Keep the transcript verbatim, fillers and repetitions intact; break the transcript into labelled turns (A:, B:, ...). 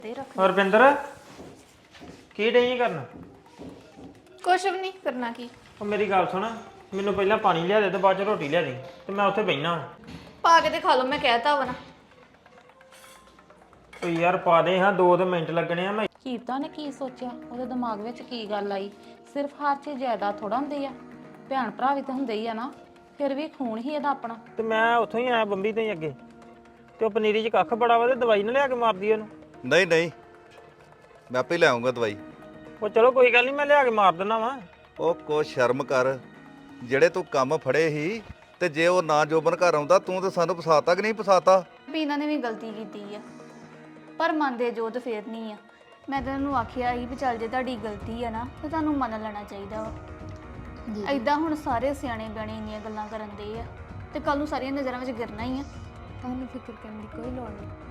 A: ਦੇ ਰੱਖ
B: ਹਰਪਿੰਦਰ ਕੀ ਡਈ ਕਰਨਾ?
A: ਕੁਛ ਵੀ ਨਹੀਂ ਕਰਨਾ ਕੀ।
B: ਉਹ ਮੇਰੀ ਗੱਲ ਸੁਣ, ਮੈਨੂੰ ਪਹਿਲਾਂ ਪਾਣੀ ਲਿਆ ਦੇ ਤੇ ਬਾਅਦ ਚ ਰੋਟੀ ਲਿਆ ਦੇ ਤੇ ਮੈਂ ਉੱਥੇ ਬਹਿਣਾ।
A: ਪਾ ਕੇ ਤੇ ਖਾ ਲਓ, ਮੈਂ ਕਹਿਤਾ ਵਾ ਨਾ।
B: ਓ ਯਾਰ ਪਾ ਦੇ ਹਾਂ, ਦੋ ਤੇ ਮਿੰਟ ਲੱਗਣੇ ਆ। ਮੈਂ
C: ਕੀਰਤਾ ਨੇ ਕੀ ਸੋਚਿਆ, ਉਹਦੇ ਦਿਮਾਗ ਵਿੱਚ ਕੀ ਗੱਲ ਆਈ? ਸਿਰਫ ਹਰ ਚੀਜ਼ ਜ਼ਿਆਦਾ ਥੋੜਾ ਹੁੰਦੀ ਆ, ਭੈਣ ਭਰਾ ਵੀ ਤਾਂ ਹੁੰਦੇ ਹੀ ਆ ਨਾ, ਫਿਰ ਵੀ ਖੂਨ ਹੀ ਇਹਦਾ ਆਪਣਾ।
B: ਤੇ ਮੈਂ ਉੱਥੋਂ ਹੀ ਆਇਆ ਬੰਬੀ ਤੋਂ ਹੀ ਅੱਗੇ, ਤੇ ਉਹ ਪਨੀਰੀ 'ਚ ਕੱਖ ਬੜਾ ਵਾ ਤੇ ਦਵਾਈ ਨਾ ਲਿਆ ਕੇ ਮਾਰਦੀ ਉਹਨੂੰ।
D: ਨਹੀਂ ਨਹੀਂ, ਮੈਂ ਆਪੇ ਲੈ ਆਉਂਗਾ ਦਵਾਈ।
B: ਉਹ ਚਲੋ ਕੋਈ ਗੱਲ ਨਹੀਂ, ਮੈਂ ਲਿਆ ਕੇ ਮਾਰ ਦਿੰਦਾ ਵਾ।
D: ਉਹ ਕੋ ਸ਼ਰਮ ਕਰ, ਜਿਹੜੇ ਤੂੰ ਕੰਮ ਫੜੇ ਸੀ ਤੇ ਜੇ ਉਹ ਨਾ ਜੋਬਨ ਘਰ ਆਉਂਦਾ ਤੂੰ ਤੇ ਸਾਨੂੰ ਫਸਾਤਾ ਕਿ ਨਹੀਂ ਫਸਾਤਾ?
A: ਪੀਨਾ ਨੇ ਵੀ ਗਲਤੀ ਕੀਤੀ ਆ, ਪਰ ਮੰਨਦੇ ਜੋਤ ਫੇਰ ਨਹੀਂ ਆ। ਮੈਂ ਤਾਂ ਉਹਨੂੰ ਆਖਿਆ ਸੀ ਵੀ ਚੱਲ ਜੇ ਤੁਹਾਡੀ ਗਲਤੀ ਆ ਨਾ ਤੇ ਤੁਹਾਨੂੰ ਮੰਨ ਲੈਣਾ ਚਾਹੀਦਾ ਵਾ। ਐਦਾਂ ਹੁਣ ਸਾਰੇ ਸਿਆਣੇ ਬਿਆਣੇ ਇੰਨੀਆਂ ਗੱਲਾਂ ਕਰਨ ਦੇ ਆ ਤੇ ਕੱਲ ਨੂੰ ਸਾਰੀਆਂ ਨਜ਼ਰਾਂ ਵਿੱਚ ਗਿਰਨਾ ਹੀ ਆ।
E: ਤੁਹਾਨੂੰ ਫਿਕਰ ਕਰਨ ਦੀ ਕੋਈ ਲੋੜ ਨਹੀਂ।